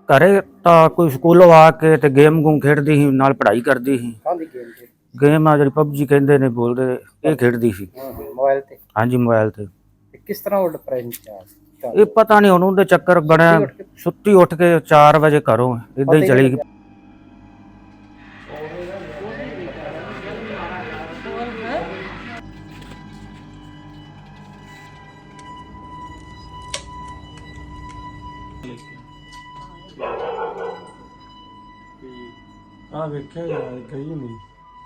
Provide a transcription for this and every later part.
ਘਰੇ ਤਾਂ ਕੋਈ ਸਕੂਲੋਂ ਆ ਕੇ ਤੇ ਗੇਮ ਗੂਮ ਖੇਡਦੀ ਸੀ, ਨਾਲ ਪੜ੍ਹਾਈ ਕਰਦੀ ਸੀ। ਗੇਮ ਆ ਜਿਹੜੀ ਪਬਜੀ ਕਹਿੰਦੇ ਨੇ ਬੋਲਦੇ, ਇਹ ਖੇਡਦੀ ਸੀ ਮੋਬਾਈਲ ਤੇ। ਹਾਂਜੀ ਮੋਬਾਈਲ ਤੇ। ਕਿਸ ਤਰ੍ਹਾਂ ਉਹ ਡਿਪਰੈਸ਼ਨ ਚ ਇਹ ਪਤਾ ਨਹੀਂ ਉਹਨੂੰ ਦੇ ਚੱਕਰ ਬਣਿਆ, ਸੁੱਤੀ ਉੱਠ ਕੇ 4 ਵਜੇ ਘਰੋਂ ਇਦਾਂ ਹੀ ਚਲੀ ਗਈ। ਆ ਵੇਖਿਆ ਯਾਰ ਗਈ ਨਹੀਂ।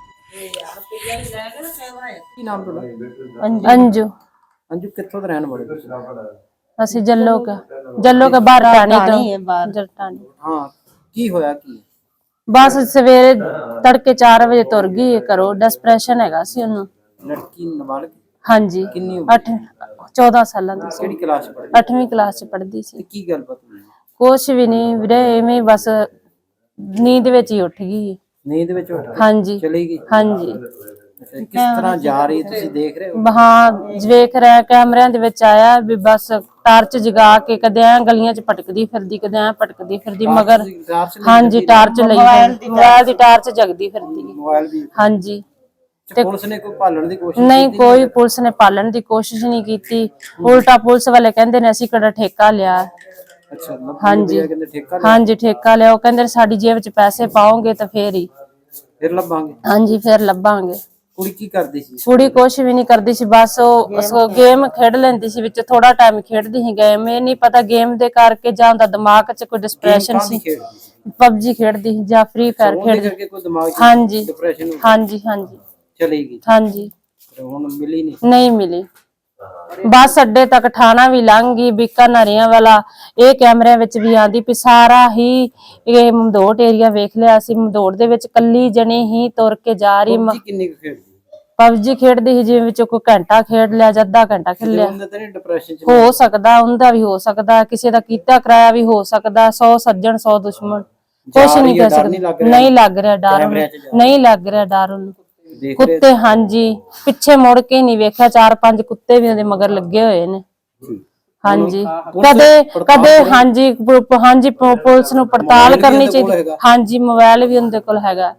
ਕੀ ਨਾਮ ਤੁਹਾਡਾ? अंजू। ਅੰਜੂ ਕਿੱਥੋਂ ਦੇ ਰਹਿਣ ਵਾਲੇ? ਅਸੀਂ ਜੱਲੋ ਕੇ ਬਾਹਰ ਟਾਣੀ ਤੋਂ ਜਰਟਾਣੀ। ਹਾਂ ਕੀ ਹੋਇਆ ਕੀ? ਬਸ ਸਵੇਰੇ ਤੜਕੇ 4 ਵਜੇ ਤੁਰ ਗਈ ਘਰੋਂ। ਡਿਸਪ੍ਰੈਸ਼ਨ ਹੈਗਾ ਸੀ ਉਹਨੂੰ। ਲੜਕੀ ਨਾਬਾਲਗ? ਹਾਂਜੀ। ਕਿੰਨੀ 14 ਸਾਲਾਂ ਦੀ ਸੀ। ਕਿਹੜੀ ਕਲਾਸ ਚ ਪੜ੍ਹਦੀ? 8ਵੀਂ ਕਲਾਸ ਚ ਪੜ੍ਹਦੀ ਸੀ। ਤੇ ਕੀ ਗੱਲਬਾਤ ਹੋਈ? ਕੁਛ ਵੀ ਨਹੀਂ ਵੀਰੇ, ਐਵੇਂ ਬਸ ਨੀਂਦ ਵਿੱਚ ਹੀ ਉੱਠ ਗਈ। ਨੀਂਦ ਵਿੱਚ ਉੱਠ ਕੇ ਹਾਂਜੀ ਚਲੀ ਗਈ? ਹਾਂਜੀ। ਅੱਛਾ, ਕਿਸ ਤਰ੍ਹਾਂ ਜਾ ਰਹੀ ਤੁਸੀਂ ਦੇਖ ਰਹੇ ਹੋ? ਹਾਂ ਵੇਖ ਰਿਹਾ, ਕੈਮਰਿਆਂ ਦੇ ਵਿੱਚ ਆਇਆ ਵੀ ਬਸ ਟਾਰਚ ਜਗਾ ਕੇ ਕਦੇ ਐ ਗਲੀਆਂ ਚ ਭਟਕਦੀ ਫਿਰਦੀ, ਕਦੇ ਐ ਭਟਕਦੀ ਫਿਰਦੀ, ਮਗਰ ਹਾਂਜੀ ਟਾਰਚ ਲਈ ਮੋਬਾਈਲ ਦੀ ਟਾਰਚ ਜਗਦੀ ਫਿਰਦੀ। ਮੋਬਾਈਲ ਵੀ? ਹਾਂਜੀ। ਤੇ ਪੁਲਿਸ ਨੇ ਕੋਈ ਭਾਲਣ ਦੀ ਕੋਸ਼ਿਸ਼ ਨਹੀਂ, ਕੀਤੀ? ਕੋਈ ਪੁਲਿਸ ਨੇ ਪਾਲਣ ਦੀ ਕੋਸ਼ਿਸ਼ ਨਹੀਂ ਕੀਤੀ। ਉਲਟਾ ਪੁਲਿਸ ਵਾਲੇ ਕਹਿੰਦੇ ਨੇ ਅਸੀਂ ਕਿਹੜਾ ਠੇਕਾ ਲਿਆ। ਅੱਛਾ ਹਾਂਜੀ ਕਹਿੰਦੇ ਠੇਕਾ ਲਿਆ? ਹਾਂਜੀ ਠੇਕਾ ਲਿਆ। ਉਹ ਕਹਿੰਦੇ ਸਾਡੀ ਜੇਬ ਚ ਪੈਸੇ ਪਾਓਗੇ ਤਾਂ ਫੇਰ ਹੀ ਫਿਰ ਲੱਭਾਂਗੇ। ਹਾਂਜੀ ਫੇਰ ਲੱਭਾਂਗੇ। ਕੁੜੀ ਕੀ ਕਰਦੀ ਸੀ? ਕੁੜੀ ਕੁਛ ਵੀ ਨਹੀਂ ਕਰਦੀ ਸੀ, ਬਸ ਉਹ ਗੇਮ ਖੇਡ ਲੈਂਦੀ ਸੀ, ਵਿੱਚ ਥੋੜਾ ਟਾਈਮ ਖੇਡਦੀ ਸੀ ਗੇਮ। ਇਹ ਨਹੀਂ ਪਤਾ ਗੇਮ ਦੇ ਕਰਕੇ ਜਾਂ ਉਹਦਾ ਦਿਮਾਗ 'ਚ ਕੋਈ ਡਿਸਪ੍ਰੈਸ਼ਨ ਸੀ। ਪਬਜੀ ਖੇਡਦੀ ਸੀ ਜਾਂ ਫ੍ਰੀ ਫਾਇਰ ਖੇਡਦੀ। ਹਾਂਜੀ ਹਾਂਜੀ ਹਾਂਜੀ ਚਲੀ ਗਈ? ਹਾਂਜੀ। ਹੁਣ ਮਿਲੀ ਨਹੀਂ ਮਿਲੀ। ਬੱਸ ਅੱਡੇ ਤੱਕ ਠਾਣਾ ਵੀ ਲੰਘ ਗਈ, ਬੀਕਾਨੇਰੀਆਂ ਵਾਲਾ। ਇਹ ਕੈਮਰਿਆਂ ਵਿੱਚ ਵੀ ਆਂਦੀ ਵੀ ਸਾਰਾ ਹੀ ਇਹ ਮਮਦੋਟ ਏਰੀਆ ਵੇਖ ਲਿਆ ਸੀ। ਮਮਦੋਟ ਦੇ ਵਿੱਚ ਕੱਲੀ ਜਣੀ ਹੀ ਤੁਰ ਕੇ ਜਾ ਰਹੀ। ਕਿੰਨੀ ਕੁ ਖੇਡਦੀ? ਪਬਜੀ ਖੇਡਦੀ ਸੀ, ਜਿਵੇਂ ਵਿੱਚੋਂ ਕੋਈ ਘੰਟਾ ਖੇਡ ਲਿਆ ਜਾਂ ਅੱਧਾ ਘੰਟਾ ਖੇਡ ਲਿਆ। ਹੋ ਸਕਦਾ ਉਹਦਾ ਵੀ ਹੋ ਸਕਦਾ, ਕਿਸੇ ਦਾ ਕੀਤਾ ਕਰਾਇਆ ਵੀ ਹੋ ਸਕਦਾ। 100 ਸੱਜਣ 100 ਦੁਸ਼ਮਣ, ਕੁਛ ਨਹੀਂ ਕਹਿ ਸਕਦੇ। ਨਹੀਂ ਲੱਗ ਰਿਹਾ ਡਰ ਉਹਨੂੰ, ਨਹੀਂ ਲੱਗ ਰਿਹਾ ਡਰ ਉਹਨੂੰ। ਕੁੱਤੇ ਹਾਂਜੀ ਪਿੱਛੇ ਮੁੜ ਕੇ ਨਹੀਂ ਵੇਖਿਆ। 4-5 ਕੁੱਤੇ ਵੀ ਉਹਦੇ ਮਗਰ ਲੱਗੇ ਹੋਏ ਨੇ। ਹਾਂਜੀ ਕਦੇ ਹਾਂਜੀ ਹਾਂਜੀ ਪੁਲਿਸ ਨੂੰ ਪੜਤਾਲ ਕਰਨੀ ਚਾਹੀਦੀ। ਹਾਂਜੀ ਮੋਬਾਈਲ ਵੀ ਉਹਦੇ ਕੋਲ ਹੈਗਾ।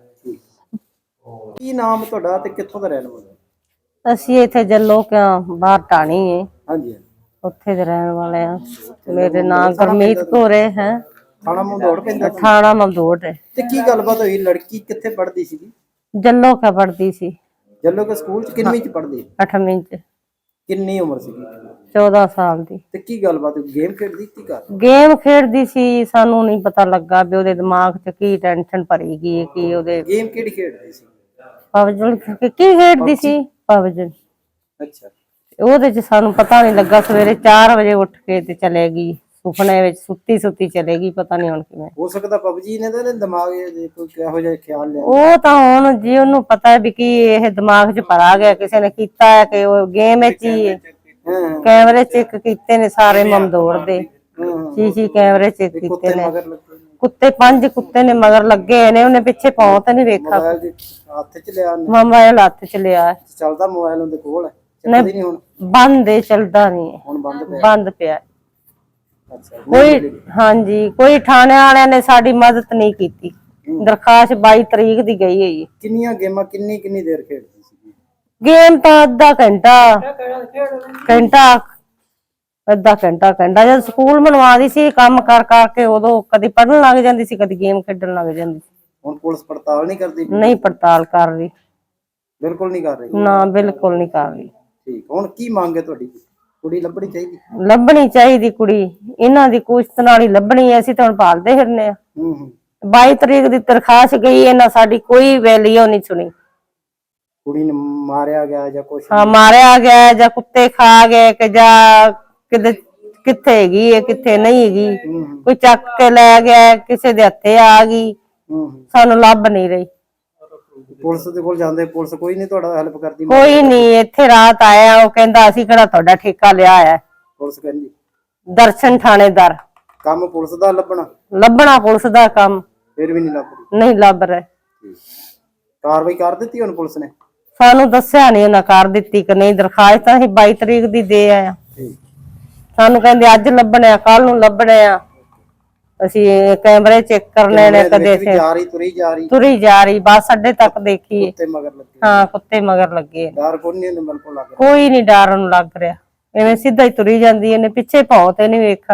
ਕੀ ਨਾਮ ਤੁਹਾਡਾ ਤੇ ਕਿੱਥੋਂ ਦਾ ਰਹਿਣ ਵਾਲਾ? ਅਸੀਂ ਇੱਥੇ ਜੱਲੋ ਕਿਉਂ ਬਾਹਰ ਟਾਣੀ ਹੈ। ਹਾਂਜੀ ਉੱਥੇ ਦੇ ਰਹਿਣ ਵਾਲੇ ਆ। ਮੇਰੇ ਨਾਮ ਗੁਰਮੀਤ ਕੌਰ ਹੈ। ਥਾਣਾ ਮਮਦੋਟ ਪੈਂਦਾ? ਥਾਣਾ ਮਮਦੋਟ ਹੈ। ਤੇ ਕੀ ਗੱਲਬਾਤ ਹੋਈ? ਲੜਕੀ ਕਿੱਥੇ ਪੜ੍ਹਦੀ ਸੀਗੀ? ਜੱਲੋ ਕਾ ਪੜਦੀ ਸੀ। ਜੱਲੋ ਕੇ ਸਕੂਲ ਚ? ਕਿੰਨਵੀਂ ਚ ਪੜ੍ਹਦੀ? 8ਵੀਂ ਚ। ਕਿੰਨੀ ਉਮਰ ਸੀਗੀ? 14 ਸਾਲ ਦੀ। ਤੇ ਕੀ ਗੱਲਬਾਤ? ਗੇਮ ਖੇਡਦੀ ਕੀ ਕਰ? ਗੇਮ ਖੇਡਦੀ ਸੀ। ਸਾਨੂੰ ਨਹੀਂ ਪਤਾ ਲੱਗਾ ਵੀ ਉਹਦੇ ਦਿਮਾਗ 'ਚ ਕੀ ਟੈਨਸ਼ਨ ਭਰੀ ਗਈ, ਕੀ ਉਹਦੇ। ਗੇਮ ਕਿਹੜੀ ਖੇਡਦੀ ਸੀ? ਪਬਜੀ ਕੀ ਖੇਡਦੀ ਸੀ? ਪਬਜੀ। ਅੱਛਾ। ਉਹਦੇ 'ਚ ਸਾਨੂੰ ਪਤਾ ਨਹੀਂ ਲੱਗਾ। ਸਵੇਰੇ 4 ਵਜੇ ਉੱਠ ਕੇ ਤੇ ਚਲੇ ਗਈ। ਸੁਪਨੇ ਵਿੱਚ ਸੁੱਤੀ ਚਲੇ ਗਈ। ਪਤਾ ਨਹੀਂ ਹੁਣ ਕਿਵੇਂ। ਹੋ ਸਕਦਾ ਪਬਜੀ ਨੇ ਤਾਂ ਦਿਮਾਗ ਕੋਈ ਕਿਹੋ ਜਿਹਾ ਖਿਆਲ ਲਿਆ। ਉਹ ਤਾਂ ਹੁਣ ਜੀ ਉਹਨੂੰ ਪਤਾ ਵੀ ਕੀ ਇਹ ਦਿਮਾਗ 'ਚ ਭਰਾ ਗਿਆ, ਕਿਸੇ ਨੇ ਕੀਤਾ ਹੈ ਕਿ ਉਹ ਗੇਮ ਵਿੱਚ ਹੀ ਕੈਮਰੇ ਚੈੱਕ ਕੀਤੇ ਨੇ ਸਾਰੇ ਮਮਦੋੜ ਦੇ। ਸੀ ਕੈਮਰੇ ਚੈੱਕ ਕੀਤੇ ਨੇ। ਕੁੱਤੇ 5 ਕੁੱਤੇ ਨੇ ਮਗਰ ਲੱਗੇ ਨੇ। ਉਹਨੇ ਪਿੱਛੇ ਪਾਉ ਤਾਂ ਨਹੀਂ ਵੇਖਿਆ। ਹੱਥ ਚ ਲਿਆ? ਮੋਬਾਈਲ ਹੱਥ ਚ ਲਿਆ। ਚੱਲਦਾ ਮੋਬਾਈਲ ਉਹਦੇ ਕੋਲ? ਨਹੀਂ ਹੁਣ ਬੰਦ ਹੈ, ਚੱਲਦਾ ਨਹੀਂ। ਹੁਣ ਬੰਦ ਪਿਆ। ਅੱਛਾ। ਕੋਈ ਹਾਂਜੀ ਕੋਈ ਥਾਣੇ ਵਾਲਿਆਂ ਨੇ ਸਾਡੀ ਮਦਦ ਨਹੀਂ ਕੀਤੀ। ਦਰਖਾਸਤ 22 ਤਰੀਕ ਦੀ ਗਈ ਹੈ। ਕਿੰਨੀਆਂ ਗੇਮਾਂ ਕਿੰਨੀ ਦੇਰ ਖੇਡਦੀ ਸੀ? ਗੇਮ ਤਾਂ ਅੱਧਾ ਘੰਟਾ ਜਦ ਸਕੂਲ ਬਣਵਾਦੀ ਸੀ ਕੰਮ ਕਰ ਕਰਕੇ, ਉਦੋਂ ਕਦੀ ਪੜ੍ਹਨ ਲੱਗ ਜਾਂਦੀ ਸੀ, ਕਦੀ ਗੇਮ ਖੇਡਣ ਲੱਗ ਜਾਂਦੀ ਸੀ। ਹੁਣ ਪੁਲਿਸ ਪੜਤਾਲ ਨਹੀਂ ਕਰਦੀ? ਨਹੀਂ ਪੜਤਾਲ ਕਰ ਰਹੀ। ਬਿਲਕੁਲ ਨਹੀਂ ਕਰ ਰਹੀ? ਨਾ ਬਿਲਕੁਲ ਨਹੀਂ ਕਰ ਰਹੀ। ਠੀਕ। ਹੁਣ ਕੀ ਮੰਗ ਹੈ ਤੁਹਾਡੀ? ਕੁੜੀ ਲੱਭਣੀ ਚਾਹੀਦੀ? ਲੱਭਣੀ ਚਾਹੀਦੀ ਕੁੜੀ। ਇਹਨਾਂ ਦੀ ਕੁਸ਼ਤ ਨਾਲ ਹੀ ਲੱਭਣੀ ਹੈ। ਅਸੀਂ ਤਾਂ ਹੁਣ ਭਾਲਦੇ ਫਿਰਨੇ ਆ। 22 ਤਰੀਕ ਦੀ ਦਰਖਾਸਤ ਗਈ, ਇਹਨਾਂ ਸਾਡੀ ਕੋਈ ਵੈਲਿਊ ਨਹੀਂ ਸੁਣੀ। ਕੁੜੀ ਨੂੰ ਮਾਰਿਆ ਗਿਆ ਜਾਂ ਕੁਛ? ਹਾਂ ਮਾਰਿਆ ਗਿਆ ਜਾਂ ਕੁੱਤੇ ਖਾ ਗਏ ਕਿ ਜਾਂ ਕਿੱਥੇ ਹੈਗੀ ਹੈ ਕਿੱਥੇ ਨਹੀਂ ਹੈਗੀ। ਕੋਈ ਚੱਕ ਕੇ ਲੈ ਗਿਆ, ਕਿਸੇ ਦੇ ਹੱਥੇ ਆ ਗਈ। ਸਾਨੂੰ ਲੱਭ ਨਹੀਂ ਰਹੀ। ਪੁਲਿਸ ਦੇ ਕੋਲ ਜਾਂਦੇ, ਪੁਲਿਸ ਕੋਈ ਨਹੀਂ ਤੁਹਾਡਾ ਹੈਲਪ ਕਰਦੀ? ਕੋਈ ਨਹੀਂ। ਇੱਥੇ ਰਾਤ ਆਇਆ, ਉਹ ਕਹਿੰਦਾ ਅਸੀਂ ਕਿਹੜਾ ਤੁਹਾਡਾ ਠੇਕਾ ਲਿਆ ਹੈ। ਪੁਲਿਸ ਕਹਿੰਦੀ? ਦਰਸ਼ਨ ਥਾਣੇਦਾਰ। ਕੰਮ ਪੁਲਿਸ ਦਾ ਲੱਭਣਾ ਪੁਲਿਸ ਦਾ ਕੰਮ। ਫਿਰ ਵੀ ਨਹੀਂ ਲੱਭ ਰਹੀ? ਨਹੀਂ ਲੱਭ ਰਹੇ। ਕਾਰਵਾਈ ਕਰ ਦਿੱਤੀ ਹੁਣ ਪੁਲਿਸ ਨੇ? ਸਾਨੂੰ ਦੱਸਿਆ ਨਹੀਂ ਉਹਨਾਂ ਕਰ ਦਿੱਤੀ ਕਿ ਨਹੀਂ। ਦਰਖਾਸਤ ਅਸੀਂ 22 ਤਰੀਕ ਦੀ ਦੇ ਆਇਆ। ਸਾਨੂੰ ਕਹਿੰਦੇ ਅੱਜ ਲੱਭਣੇ ਆ, ਕੱਲ ਨੂੰ ਲੱਭਣੇ ਆ। ਅਸੀਂ ਕੈਮਰੇ ਚੈੱਕ ਕਰਨੇ ਨੇ, ਕਦੇ ਵੀ ਜਾ ਰਹੀ ਤੁਰੀ ਜਾ ਰਹੀ ਤੁਰੀ ਜਾ ਰਹੀ ਬੱਸ ਅੱਡੇ ਤੱਕ ਦੇਖੀ। ਤੇ ਮਗਰ ਲੱਗੀ ਹਾਂ ਕੁੱਤੇ ਮਗਰ ਲੱਗੇ ਨੇ। ਡਰ ਕੋਈ ਨਹੀਂ ਉਹਨੂੰ ਬਿਲਕੁਲ ਲੱਗ ਰਿਹਾ। ਕੋਈ ਨਹੀਂ ਡਰ ਉਹਨੂੰ ਲੱਗ ਰਿਹਾ, ਐਵੇਂ ਸਿੱਧਾ ਹੀ ਤੁਰੀ ਜਾਂਦੀ, ਇਹਨੇ ਪਿੱਛੇ ਭੌਂ ਤੇ ਨਹੀਂ ਵੇਖਾ।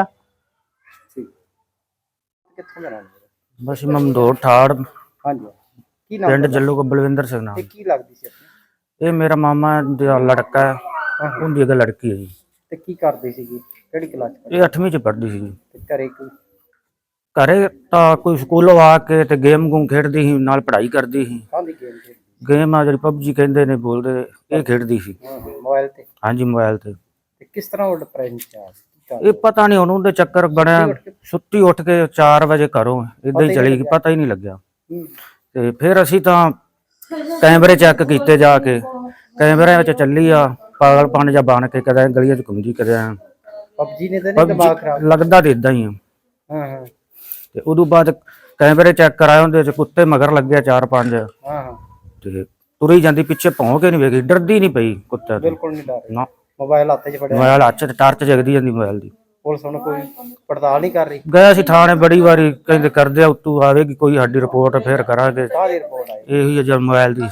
ਕਿੱਥੋਂ ਦਾ ਰਹਿਣ ਵਾਲਾ? ਬਸ ਮਮਦੋੜ ਠਾੜ ਹਾਂਜੀ ਕੀ ਨਾਮ ਪਿੰਡ ਤੁਹਾਡਾ? ਜੱਲੂ ਕੋ ਬਲਵਿੰਦਰ ਸਿੰਘ ਨਾਮ। ਤੇ ਕੀ ਲੱਗਦੀ ਸੀ ਆਪਣੀ? ਇਹ ਮੇਰਾ ਮਾਮਾ ਦਾ ਲੜਕਾ ਹੈ, ਉਹਦੀ ਇੱਕ ਲੜਕੀ ਹੈ ਜੀ। ਤੇ ਕੀ ਕਰਦੀ ਸੀਗੀ, ਕਿਹੜੀ ਕਲਾਸ ਚ? ਇਹ 8ਵੀਂ ਚ ਪੜ੍ਹਦੀ ਸੀ ਜੀ। ਤੇ ਘਰੇ ਕੋਈ? ਘਰੇ ਤਾਂ ਕੋਈ ਸਕੂਲੋਂ ਆ ਕੇ ਤੇ ਗੇਮ ਗੂਮ ਖੇਡਦੀ ਸੀ, ਨਾਲ ਪੜ੍ਹਾਈ ਕਰਦੀ ਸੀ। ਕਾਹਦੀ ਗੇਮ ਖੇਡਦੀ? ਗੇਮ ਆ ਜਿਹੜੀ ਪਬਜੀ ਕਹਿੰਦੇ ਨੇ ਬੋਲਦੇ, ਇਹ ਖੇਡਦੀ ਸੀ। ਮੋਬਾਈਲ ਤੇ? ਹਾਂਜੀ ਮੋਬਾਈਲ ਤੇ। ਤੇ ਕਿਸ ਤਰ੍ਹਾਂ ਉਹ ਡਿਪਰੈਸ਼ਨ ਚ ਆ ਗਈ? ਇਹ ਪਤਾ ਨਹੀਂ ਉਹਨੂੰ ਦੇ ਚੱਕਰ ਬਣਿਆ, ਸੁੱਤੀ ਉੱਠ ਕੇ 4 ਵਜੇ ਘਰੋਂ ਏਦਾਂ ਹੀ ਚਲੀ ਗਈ, ਪਤਾ ਹੀ ਨਹੀਂ ਲੱਗਿਆ। ਤੇ ਫਿਰ ਅਸੀਂ ਤਾਂ ਕੈਮਰੇ ਚੈੱਕ ਕੀਤੇ ਜਾ ਕੇ, ਕੈਮਰਿਆਂ ਵਿੱਚ ਚੱਲੀ ਆ ਪਾਗਲਪਨ ਜਾਂ ਬਣ ਕੇ, ਕਦੇ ਗਲੀਆਂ 'ਚ ਘੁੰਮਦੀ ਕਦੇ ਪਬਜੀ ਨੇ ਤਾਂ ਨਹੀਂ ਦਿਮਾਗ ਖਰਾਬ? ਲੱਗਦਾ ਤੇ ਇਦਾਂ ਹੀ ਆ। ਹਾਂ ਤੇ ਉਦੋਂ ਬਾਅਦ ਕੈਮਰੇ ਚੈੱਕ ਕਰਾਏ, ਉਹਦੇ 'ਚ ਕੁੱਤੇ ਮਗਰ ਲੱਗੇ 4-5। ਹਾਂ ਤੇ ਤੁਰੀ ਜਾਂਦੀ, ਪਿੱਛੇ ਭੌਂ ਕੇ ਨਹੀਂ ਵੇਖੀ, ਡਰਦੀ ਨਹੀਂ ਪਈ ਕੁੱਤੇ ਤੋਂ। ਬਿਲਕੁਲ ਨਹੀਂ ਡਰ ਨਾ ਮੋਬਾਈਲ ਹੱਥ 'ਚ ਫੜਿਆ? ਮੋਬਾਈਲ ਹੱਥ 'ਚ ਟਾਰਚ ਜਗਦੀ ਜਾਂਦੀ ਮੋਬਾਈਲ ਦੀ। ਪੁਲਿਸ ਹੁਣ ਕੋਈ ਪੜਤਾਲ ਨਹੀਂ ਕਰ ਰਹੀ? ਗਿਆ ਸੀ ਥਾਣੇ ਬੜੀ ਵਾਰੀ, ਕਹਿੰਦੇ ਕਰਦੇ ਆ ਉੱਤੋਂ ਆਵੇਗੀ ਕੋਈ ਸਾਡੀ ਰਿਪੋਰਟ, ਫਿਰ ਕਰਾਂਗੇ। ਕਾਹਦੀ ਰਿਪੋਰਟ ਆਈ? ਇਹੀ ਜਦ ਮੋਬਾਈਲ ਦੀ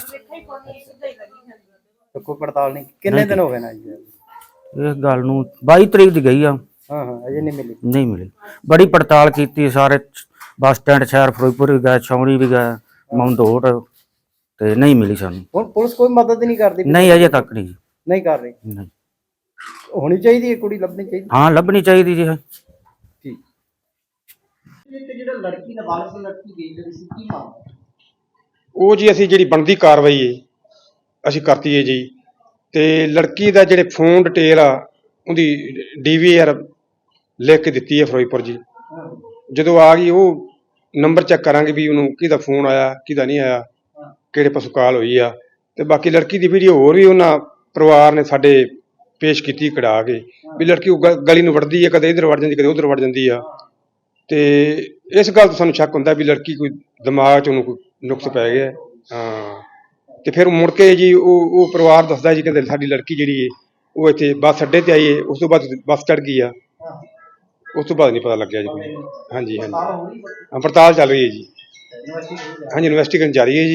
ਤੇ ਕੋਈ ਪੜਤਾਲ ਨਹੀਂ? ਕਿੰਨੇ ਦਿਨ ਹੋ ਗਏ ਨਾ ਜੀ? ਇਸ ਗੱਲ ਨੂੰ 22 ਤਰੀਕ ਦੀ ਗਈ ਆ, ਹਾਂ ਅਜੇ ਨਹੀਂ ਮਿਲੀ? ਨਹੀਂ ਮਿਲੀ। ਬੜੀ ਪੜਤਾਲ ਕੀਤੀ, ਸਾਰੇ ਬੱਸ ਸਟੈਂਡ ਸ਼ਹਿਰ ਫਿਰੋਜ਼ਪੁਰ ਵੀ ਗਏ, ਛਾਉਣੀ ਵੀ ਗਏ, ਮਮਦੋੜ, ਤੇ ਨਹੀਂ ਮਿਲੀ ਸਾਨੂੰ। ਹੁਣ ਪੁਲਿਸ ਕੋਈ ਮਦਦ ਨਹੀਂ ਕਰਦੀ? ਨਹੀਂ ਅਜੇ ਤੱਕ ਨਹੀਂ। ਨਹੀਂ ਕਰ ਰਹੀ? ਨਹੀਂ। ਹੋਣੀ ਚਾਹੀਦੀ ਹੈ, ਕੁੜੀ ਲੱਭਣੀ ਚਾਹੀਦੀ। ਹਾਂ ਲੱਭਣੀ ਚਾਹੀਦੀ ਜੀ। ਠੀਕ। ਤੇ ਜਿਹੜਾ ਲੜਕੀ ਦਾ ਵਾਲਸ ਲੜਕੀ ਗਈ ਜਿਹੜੀ ਸੀ, ਕੀ ਮਾਮਲਾ? ਉਹ ਜੀ ਅਸੀਂ ਜਿਹੜੀ ਬਣਦੀ ਕਾਰਵਾਈ ਹੈ ਅਸੀਂ ਕਰਤੀ ਹੈ ਜੀ। ਤੇ ਲੜਕੀ ਦਾ ਜਿਹੜੇ ਫੋਨ ਡਿਟੇਲ ਆ ਉਹਦੀ DVR ਲਿਖ ਕੇ ਦਿੱਤੀ ਹੈ ਫਿਰੋਜ਼ਪੁਰ ਜੀ। ਜਦੋਂ ਆ ਗਈ ਉਹ ਨੰਬਰ ਚੈੱਕ ਕਰਾਂਗੇ ਵੀ ਉਹਨੂੰ ਕਿਹਦਾ ਫੋਨ ਆਇਆ ਕਿਹਦਾ ਨਹੀਂ ਆਇਆ, ਕਿਹੜੇ ਪਾਸੋਂ ਕਾਲ ਹੋਈ ਆ। ਤੇ ਬਾਕੀ ਲੜਕੀ ਦੀ ਵੀਡੀਓ ਹੋਰ ਵੀ ਉਹਨਾਂ ਪਰਿਵਾਰ ਨੇ ਸਾਡੇ ਪੇਸ਼ ਕੀਤੀ ਕਢਾ ਕੇ, ਵੀ ਲੜਕੀ ਉਹ ਗਲੀ ਨੂੰ ਵੜਦੀ ਹੈ, ਕਦੇ ਇੱਧਰ ਵੜ ਜਾਂਦੀ ਕਦੇ ਉੱਧਰ ਵੜ ਜਾਂਦੀ ਆ। ਤੇ ਇਸ ਗੱਲ ਤੋਂ ਸਾਨੂੰ ਸ਼ੱਕ ਹੁੰਦਾ ਵੀ ਲੜਕੀ ਕੋਈ ਦਿਮਾਗ 'ਚ ਉਹਨੂੰ ਕੋਈ ਨੁਕਸ ਪੈ ਗਿਆ। ਹਾਂ ਤੇ ਫਿਰ ਮੁੜ ਕੇ ਜੀ ਉਹ ਪਰਿਵਾਰ ਦੱਸਦਾ ਜੀ, ਕਹਿੰਦੇ ਸਾਡੀ ਲੜਕੀ ਜਿਹੜੀ ਹੈ ਉਹ ਇੱਥੇ ਬੱਸ ਅੱਡੇ ਤੇ ਆਈ ਹੈ, ਉਸ ਤੋਂ ਬਾਅਦ ਬੱਸ ਚੜ੍ਹ ਗਈ ਆ, ਉਸ ਤੋਂ ਬਾਅਦ ਨਹੀਂ ਪਤਾ ਲੱਗਿਆ ਜੀ ਕੋਈ। ਹਾਂਜੀ ਹਾਂਜੀ ਹਾਂ ਪੜਤਾਲ ਚੱਲ ਰਹੀ ਹੈ ਜੀ। ਹਾਂਜੀ ਇਨਵੈਸਟੀਗੇਸ਼ਨ ਜਾਰੀ ਹੈ ਜੀ।